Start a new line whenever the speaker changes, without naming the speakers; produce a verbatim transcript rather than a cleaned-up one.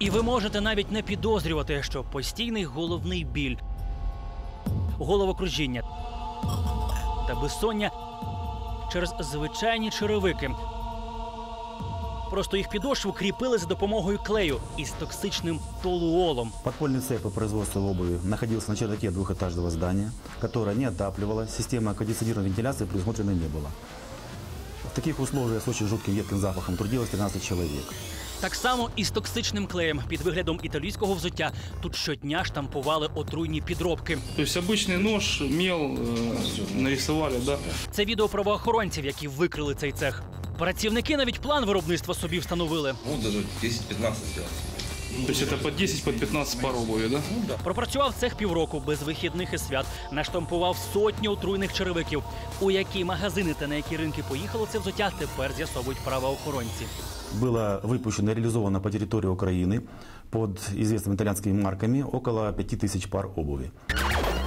І ви можете навіть не підозрювати, що постійний головний біль, головокружіння та безсоння через звичайні черевики. Просто їх підошву кріпили за допомогою клею із токсичним толуолом.
Подпольный цех по производству обуви находился на чердаке двухэтажного здания, которое не отапливалось, система кондиционированной вентиляции предусмотрена не было. В таких условиях с очень жутким едким запахом трудилось тринадцать человек.
Так само і з токсичним клеєм під виглядом італійського взуття тут щодня штампували отруйні підробки.
Тобто обичний нож, мел э, нарисували, да?
Це відео правоохоронців, які викрили цей цех. Працівники навіть план виробництва собі встановили.
Ну, даже десять-пятнадцать сделать.
Тобто це по десять-пятнадцать пар обуви, да?
Пропрацював цех півроку без вихідних і свят, наштампував сотні отруйних черевиків. У які магазини та на які ринки поїхало це взуття, тепер з'ясовують правоохоронці.
Было выпущено и реализовано по территории Украины под известными итальянскими марками около пяти тысяч пар обуви.